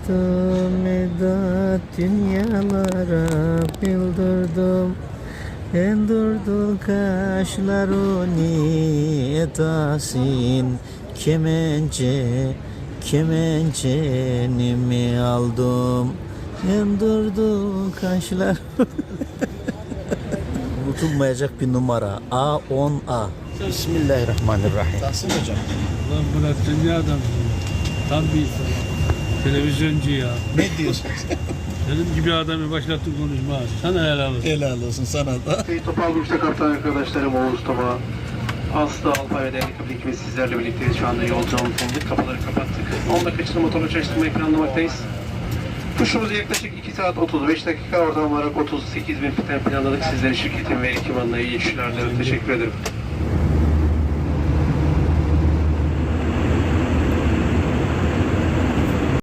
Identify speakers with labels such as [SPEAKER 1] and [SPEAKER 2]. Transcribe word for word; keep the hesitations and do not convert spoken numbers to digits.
[SPEAKER 1] Yıldırdım medat dünyalara bildirdim. Endurdu kaşlarını etasin kemençe kemençenimi aldım. Endurdu kaşlar. Unutulmayacak bir numara. A on A. Bismillahirrahmanirrahim.
[SPEAKER 2] Tahsin hocam.
[SPEAKER 3] Ulan Murat dünya adamı. Tam bir televizyoncu ya.
[SPEAKER 2] Ne diyorsunuz?
[SPEAKER 3] Benim gibi adamı başlattı konuşma. Sana helal olsun.
[SPEAKER 2] Helal olsun sana da.
[SPEAKER 4] Topal Burç'ta kaptan arkadaşlarım Oğuz Toma, Aslı Alpay ve değerli kapı ekibi sizlerle birlikteyiz. Şu anda yolculuğun sonunduk. Kapıları kapattık. on dakika motorla çalıştırmayı planlamaktayız. Kuşumuzu yaklaşık iki saat otuz beş dakika oradan olarak otuz sekiz bin fiten planladık. Sizlerin şirketin ve ekibmanına iyi işler dilerim. Teşekkür ederim.